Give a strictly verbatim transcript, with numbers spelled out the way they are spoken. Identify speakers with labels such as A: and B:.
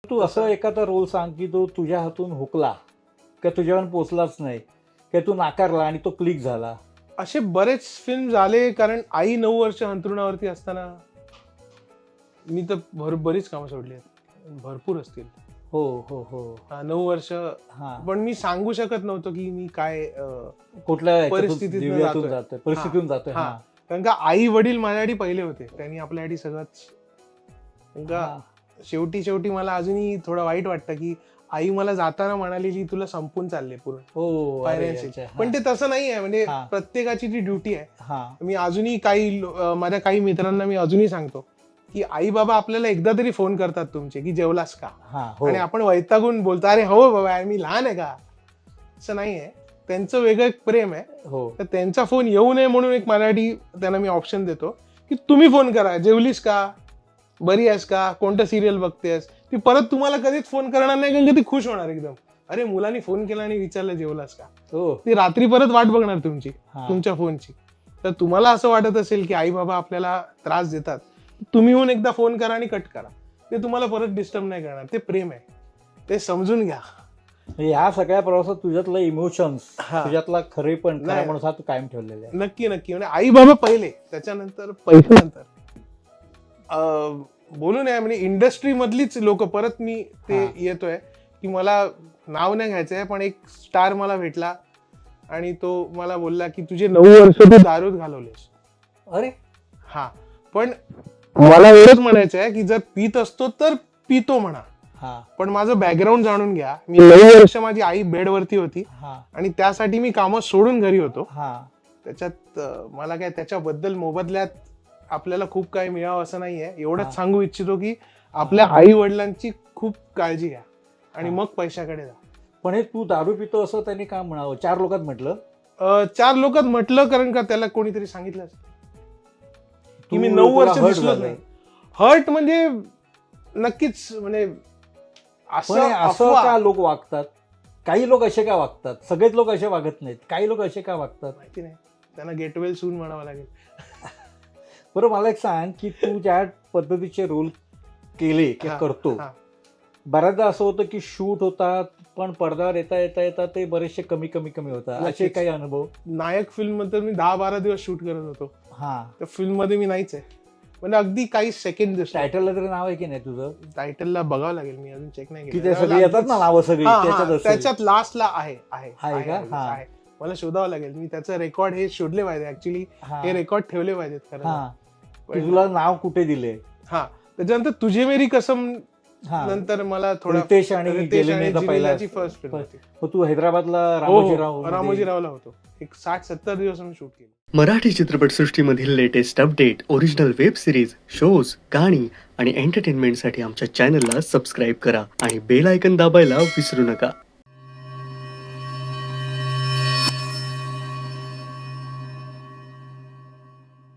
A: तू असं एखादा रोल सांग की तो तुझ्या हातून हुकला का तुझ्यावर पोचलाच नाही की तू नाकारला आणि तो क्लिक झाला.
B: असे बरेच फिल्म झाले, कारण आई नऊ वर्ष अंथरुणावरती असताना मी तर भर बरीच कामं सोडली आहेत, भरपूर असतील.
A: हो हो हो
B: हा, नऊ वर्ष.
A: हा,
B: पण मी सांगू शकत नव्हतो की मी काय अं,
A: कुठल्या
B: परिस्थितीतून
A: दिव्यातून
B: जातोय.
A: जातोय, परिस्थितीतून जातोय.
B: हा.
A: हा
B: कारण का आई वडील माझ्यासाठी पहिले होते, त्यांनी आपल्यासाठी सगळंच. कारण का
A: हा.
B: शेवटी शेवटी मला अजूनही थोडं वाईट वाटतं की आई मला जाताना म्हणालेली तुला संपून चालले पूर्ण
A: हो अरे,
B: फायनान्शियल.
A: अच्छा, हा.
B: पण ते तसं नाही आहे, म्हणजे
A: हा.
B: प्रत्येकाची ती ड्युटी आहे.
A: हा
B: मी अजूनही काही लो- अं, माझ्या काही मित्रांना मी अजूनही सांगतो की आई बाबा आपल्याला एकदा तरी फोन करतात तुमचे की जेवलास का,
A: हा हो
B: आणि आपण वैतागून बोलतो अरे हो बाबा मी लहान आहे का. असं नाहीये, त्यांचं वेगळं एक प्रेम आहे.
A: हो
B: तर त्यांचा फोन येऊ नये म्हणून एक मराठी त्यांना मी ऑप्शन देतो की तुम्ही फोन करा, जेवलीस का, बरी आहेस का, कोणतं सिरियल बघतेस. ती परत तुम्हाला कधीच फोन करणार नाही, कारण का ती खुश होणार एकदम. अरे मुलांनी फोन केला आणि विचारलं जेवलास का,
A: हो
B: ती रात्री परत वाट बघणार तुमची,
A: हा.
B: तुमच्या फोनची. तर तुम्हाला असं वाटत असेल की आई बाबा आपल्याला त्रास देतात, तुम्ही होऊन एकदा फोन करा आणि कट करा. ते तुम्हाला परत डिस्टर्ब नाही करणार, ते प्रेम आहे, ते समजून घ्या.
A: ह्या सगळ्या प्रवासात तुझ्यातलं इमोशन्स,
B: हा.
A: तुझ्यातला खरे पण खरा
B: नाही.
A: माणूस हा तू कायम ठेवलेला आहे.
B: नक्की नक्की, म्हणजे आई बाबा पहिले, त्याच्यानंतर पैशानंतर अं, बोलू नये म्हणजे इंडस्ट्री मधलीच लोक. परत मी ते
A: हा.
B: येतोय की मला नाव नाही घ्यायचंय, पण एक स्टार मला भेटला आणि तो मला बोलला की तुझे नऊ वर्ष तू दारूत घालवलेस.
A: अरे
B: हा, पण मला एवढंच म्हणायचं आहे की जर पित असतो तर पितो म्हणा,
A: हा
B: पण माझं बॅकग्राऊंड जाणून घ्या. मी नऊ वर्ष माझी आई बेडवरती होती
A: हा
B: आणि त्यासाठी मी कामं सोडून घरी होतो.
A: हा
B: त्याच्यात अं, मला काय त्याच्याबद्दल मोबदल्यात आपल्याला खूप काही मिळावं असं नाहीये.
A: हा.
B: एवढंच सांगू इच्छितो की आपल्या आई वडिलांची खूप काळजी घ्या आणि
A: हा.
B: मग पैशाकडे जा.
A: पण हे तू दारू पितो असं त्यांनी का म्हणावं, चार लोकात म्हटलं
B: अं, चार लोकात म्हटलं, कारण का त्याला कोणीतरी सांगितलं की मी
A: तू-
B: नऊ
A: तुला
B: वर्ष
A: hurt
B: दिसलोच
A: झालं.
B: नाही. हर्ट म्हणजे नक्कीच, म्हणजे
A: पण
B: असं
A: हे असं
B: अफवा-
A: का लोक वागतात, काही लोक असे का वागतात, सगळेच लोक असे वागत नाहीत, काही लोक असे का वागतात.
B: माहिती नाही, त्यांना गेट वेल सून म्हणावं लागेल.
A: बरं मला एक सांग की तू ज्या पद्धतीचे रोल केले की
B: हा,
A: करतो,
B: हा.
A: बऱ्याचदा असं होतं की शूट होतात पण पडद्यावर येता येता येता ते बरेचसे कमी कमी कमी होतात, असे
B: नक्कीच.
A: काही अनुभव.
B: नायक फिल्म मध्ये मी दहा बारा दिवस शूट करत होतो.
A: हा
B: त्या फिल्म मध्ये मी नाहीच आहे, म्हणजे अगदी काही सेकंड दिसतो.
A: टायटलला तरी नाव आहे की नाही तुझं,
B: टायटलला बघावं लागेल, मी अजून चेक नाही
A: की
B: केलं.
A: ते सगळे येतात ना नावं सगळी
B: हा, हा,
A: त्याच्यात असेल.
B: त्याच्यात लास्टला आहे आहे
A: आहे
B: आहे,
A: का?
B: आहे,
A: हा.
B: आहे. मला शोधावं लागेल, मी त्याचं रेकॉर्ड हे शोधले पाहिजे ऍक्च्युली,
A: हा
B: हे रेकॉर्ड ठेवले पाहिजेत खरं.
A: हा की
B: पण-
A: तुला नाव कुठे दिले.
B: हा, त्याच्यानंतर तुझे मेरी कसम
A: हा
B: नंतर मला थोडा
A: रितेश आणि
B: रितेश
A: गेलेनेचा
B: आणि
A: पहिला
B: जिनिलाची फर्स्ट फिल्म होती.
A: मग तू हैदराबादला
B: हो,
A: रामोजीराव
B: हो,
A: मध्ये-
B: रामोजीरावला होतो. एक साठ सत्तर दिवस मी शूट केलं.
C: मराठी चित्रपटसृष्टीमधील latest update, original web series, shows, गाणी आणि एंटरटेनमेंटसाठी आमच्या चॅनलला सबस्क्राईब करा आणि बेल आयकन दाबायला विसरू नका.